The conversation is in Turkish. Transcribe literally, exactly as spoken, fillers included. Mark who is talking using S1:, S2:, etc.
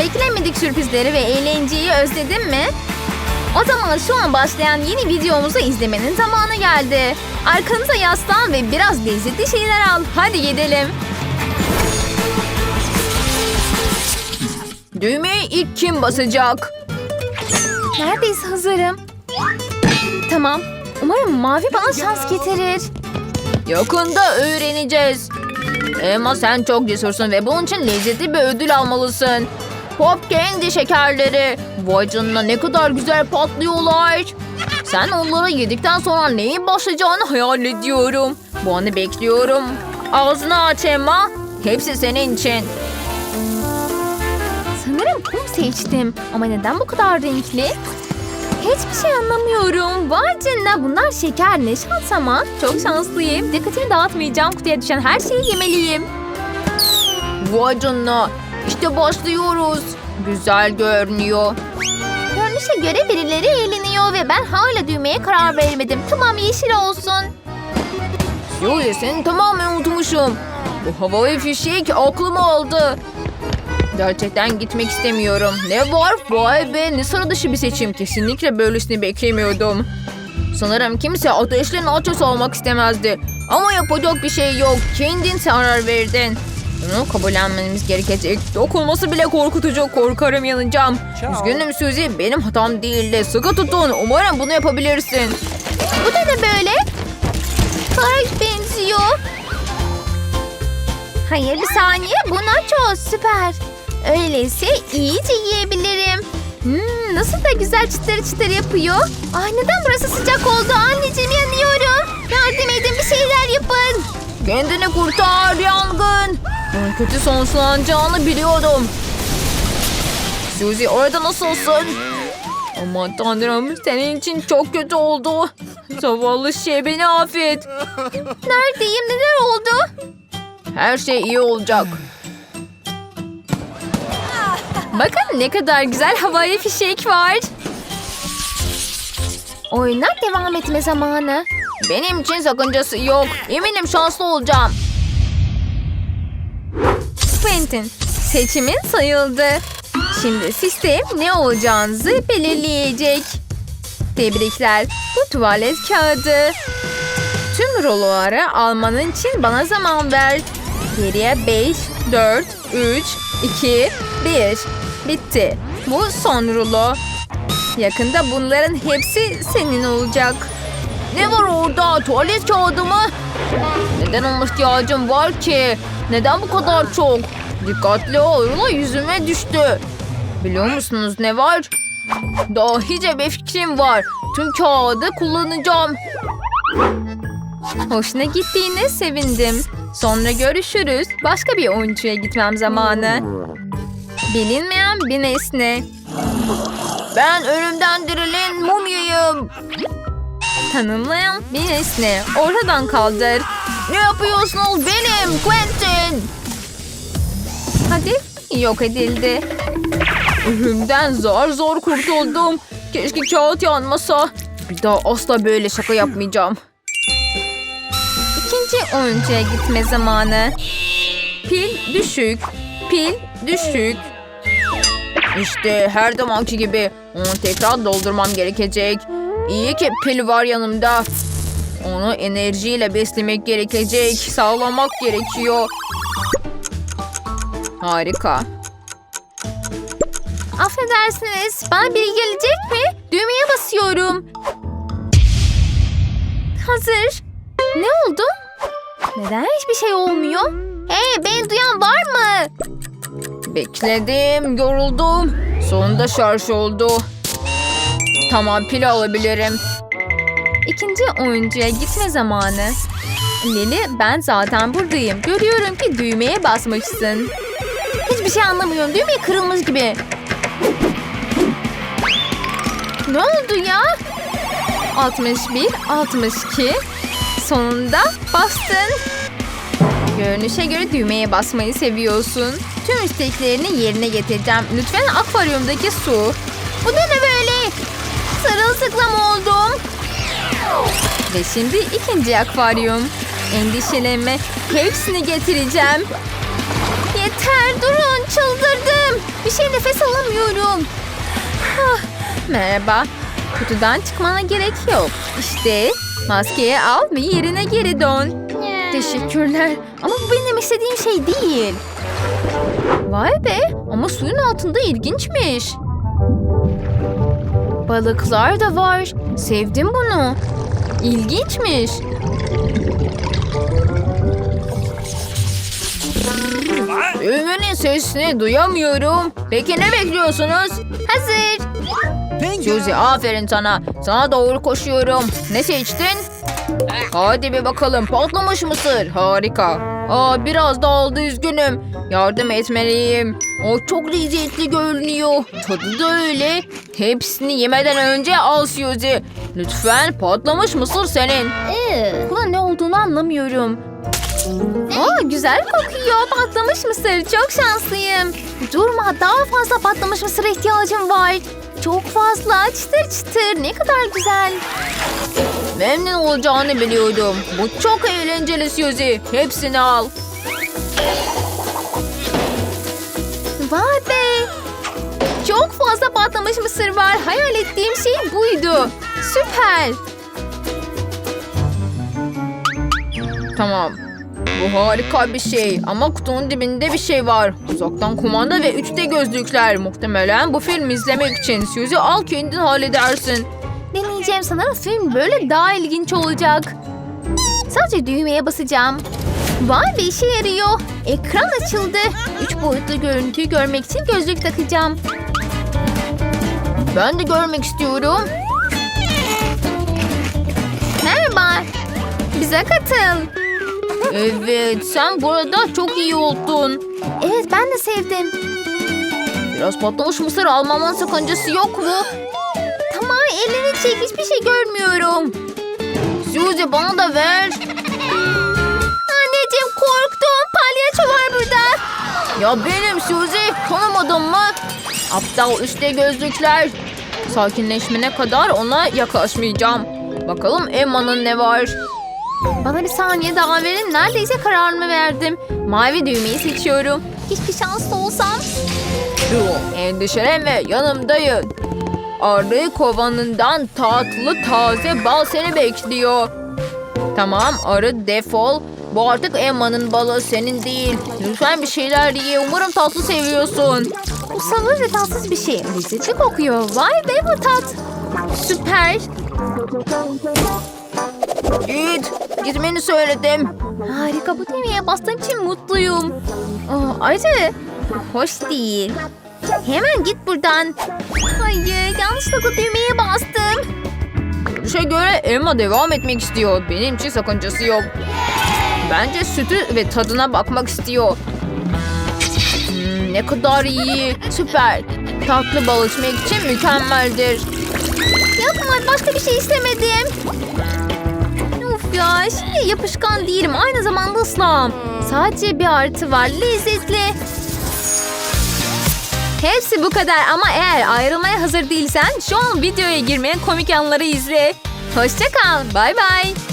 S1: Beklenmedik sürprizleri ve eğlenceyi özledin mi? O zaman şu an başlayan yeni videomuzu izlemenin zamanı geldi. Arkanıza yaslan ve biraz lezzetli şeyler al. Hadi gidelim. Düğmeye ilk kim basacak? Neredeyse hazırım. Tamam. Umarım mavi bana şans getirir. Yakında öğreneceğiz. Emma sen çok cesursun ve bunun için lezzetli bir ödül almalısın. Pop Candy şekerleri. Vay canına ne kadar güzel patlıyorlar. Sen onları yedikten sonra neyin başlayacağını hayal ediyorum. Bu anı bekliyorum. Ağzını aç Emma. Hepsi senin için. Sanırım kum seçtim. Ama neden bu kadar renkli? Hiçbir şey anlamıyorum. Vay canına bunlar şeker, ne şans ama. Çok şanslıyım. Dikkatimi dağıtmayacağım. Kutuya düşen her şeyi yemeliyim. Vay canına. İşte başlıyoruz. Güzel görünüyor. Görünüşe göre birileri eğleniyor ve ben hala düğmeye karar vermedim. Tamam yeşil olsun. Suyu seni tamamen unutmuşum. Bu havai fişek aklımı aldı. Gerçekten gitmek istemiyorum. Ne var? Vay be ne sıra dışı bir seçim. Kesinlikle böylesini beklemiyordum. Sanırım kimse ateşli nachos olmak istemezdi. Ama yapacak bir şey yok. Kendin karar verdin. Bunu kabullenmemiz gerekecek. Dokunması bile korkutucu. Korkarım yanacağım. Üzgünüm Suzy. Benim hatam değildi. Sıkı tutun. Umarım bunu yapabilirsin. Bu da ne böyle? Kar benziyor. Hayır bir saniye. Bu nachos süper. Öyleyse iyice yiyebilirim. Hmm, nasıl da güzel çıtır çıtır yapıyor. Ay neden burası sıcak oldu? Anneciğim yanıyorum. Yardım edin bir şeyler yapın. Kendini kurtar yangın. Ben kötü sonuçlanacağını biliyordum. Suzy orada nasılsın? Aman tanrım senin için çok kötü oldu. Zavallı şey beni affet. Neredeyim neler oldu? Her şey iyi olacak. Bakın ne kadar güzel havai fişek var. Oyuna devam etme zamanı. Benim için sakıncası yok. Eminim şanslı olacağım. Quentin, seçimin sayıldı. Şimdi sistem ne olacağınızı belirleyecek. Tebrikler. Bu tuvalet kağıdı. Tüm ruloları almanın için bana zaman ver. Geriye beş, dört, üç, iki, bir. Bitti. Bu son rulo. Yakında bunların hepsi senin olacak. Ne var orada? Tuvalet kağıdı mı? Neden ona ihtiyacım var ki? Neden bu kadar çok? Dikkatli ol. Rulo yüzüme düştü. Biliyor musunuz ne var? Dahice bir fikrim var. Tüm kağıdı kullanacağım. Hoşuna gittiğine sevindim. Sonra görüşürüz. Başka bir oyuncuya gitmem zamanı. Bilinmeyen bir nesne. Ben ölümden dirilen mumyayım. Tanımlayan bir nesne. Oradan kaldır. Ne yapıyorsunuz benim Quentin? Hadi yok edildi. Ölümden zor zor kurtuldum. Keşke kağıt yanmasa. Bir daha asla böyle şaka yapmayacağım. İkinci oyuncuya gitme zamanı. Pil düşük. Pil düşük. İşte her zamanki gibi onu tekrar doldurmam gerekecek. İyi ki pil var yanımda. Onu enerjiyle beslemek gerekecek. Sağlamak gerekiyor. Harika. Affedersiniz. Bana biri gelecek mi? Düğmeye basıyorum. Hazır. Ne oldu? Neden hiçbir şey olmuyor? Hey beni duyan var mı? Bekledim, yoruldum. Sonunda şarj oldu. Tamam pil alabilirim. İkinci oyuncuya gitme zamanı. Lili ben zaten buradayım. Görüyorum ki düğmeye basmışsın. Hiçbir şey anlamıyorum. Düğme kırılmış gibi. Ne oldu ya? altmış bir, altmış iki. Sonunda bastın. Görünüşe göre düğmeye basmayı seviyorsun. Tüm isteklerini yerine getireceğim. Lütfen akvaryumdaki su. Bu da ne böyle? Sarılsıklam oldum. Ve şimdi ikinci akvaryum. Endişelenme. Hepsini getireceğim. Yeter durun çıldırdım. Bir şey nefes inanamıyorum. Ah, merhaba. Kutudan çıkmana gerek yok. İşte maskeyi al ve yerine geri dön. Teşekkürler. Ama bu benim istediğim şey değil. Vay be, ama suyun altında ilginçmiş. Balıklar da var. Sevdim bunu. İlginçmiş. Ümünün sesini duyamıyorum. Peki ne bekliyorsunuz? Hazır. Suzy, aferin sana. Sana doğru koşuyorum. Ne seçtin? Hadi bir bakalım. Patlamış mısır. Harika. Aa, biraz da oldu, üzgünüm. Yardım etmeliyim. O çok lezzetli görünüyor. Tadı da öyle. Hepsini yemeden önce al Suzy. Lütfen, patlamış mısır senin. Bunun ne olduğunu anlamıyorum. Aa, güzel kokuyor. Patlamış mısır. Çok şanslıyım. Durma, daha fazla patlamış mısıra ihtiyacım var. Çok fazla. Çıtır çıtır. Ne kadar güzel. Memnun olacağını biliyordum. Bu çok eğlenceli Suzy. Hepsini al. Vay be. Çok fazla patlamış mısır var. Hayal ettiğim şey buydu. Süper. Tamam. Bu harika bir şey ama kutunun dibinde bir şey var. Uzaktan kumanda ve üç D gözlükler. Muhtemelen bu film izlemek için. Suzy, al, kendin halledersin. Deneyeceğim, sanırım film böyle daha ilginç olacak. Sadece düğmeye basacağım. Vay be, işe yarıyor. Ekran açıldı. Üç boyutlu görüntüyü görmek için gözlük takacağım. Ben de görmek istiyorum. Merhaba. Bize katıl. Evet, sen burada çok iyi oldun. Evet, ben de sevdim. Biraz patlamış mısır almamın sakıncası yok mu? Tamam, elini çek, hiçbir şey görmüyorum. Suzy, bana da ver. Anneciğim, korktum. Palyaço var burada. Ya benim Suzy, tanımadın mı? Aptal üstte gözlükler. Sakinleşmene kadar ona yaklaşmayacağım. Bakalım Emma'nın ne var? Bana bir saniye daha verin. Neredeyse kararımı verdim. Mavi düğmeyi seçiyorum. Hiçbir şanslı olsam. Dur, endişelenme, yanımdayım. Arı kovanından tatlı taze bal seni bekliyor. Tamam, arı defol. Bu artık Emma'nın balı, senin değil. Lütfen bir şeyler ye. Umarım tatlı seviyorsun. Bu sabır ve tatsız bir şey. Lezzetli kokuyor. Vay be, bu tat. Süper. Git. Gitmeni söyledim. Harika, bu düğmeye bastığım için mutluyum. Oh, acı. Hoş değil. Hemen git buradan. Hayır, yanlışlıkla düğmeye bastım. Görüşe göre Emma devam etmek istiyor. Benim için sakıncası yok. Bence sütü ve tadına bakmak istiyor. Hmm, ne kadar iyi. Süper. Tatlı bal içmek için mükemmeldir. Yapma, başka bir şey istemedim. Uf ya, şimdi yapışkan değilim. Aynı zamanda ıslahım. Sadece bir artı var. Lezzetli. Hepsi bu kadar ama eğer ayrılmaya hazır değilsen şu an videoya girmeyen komik anları izle. Hoşça kal. Bay bay.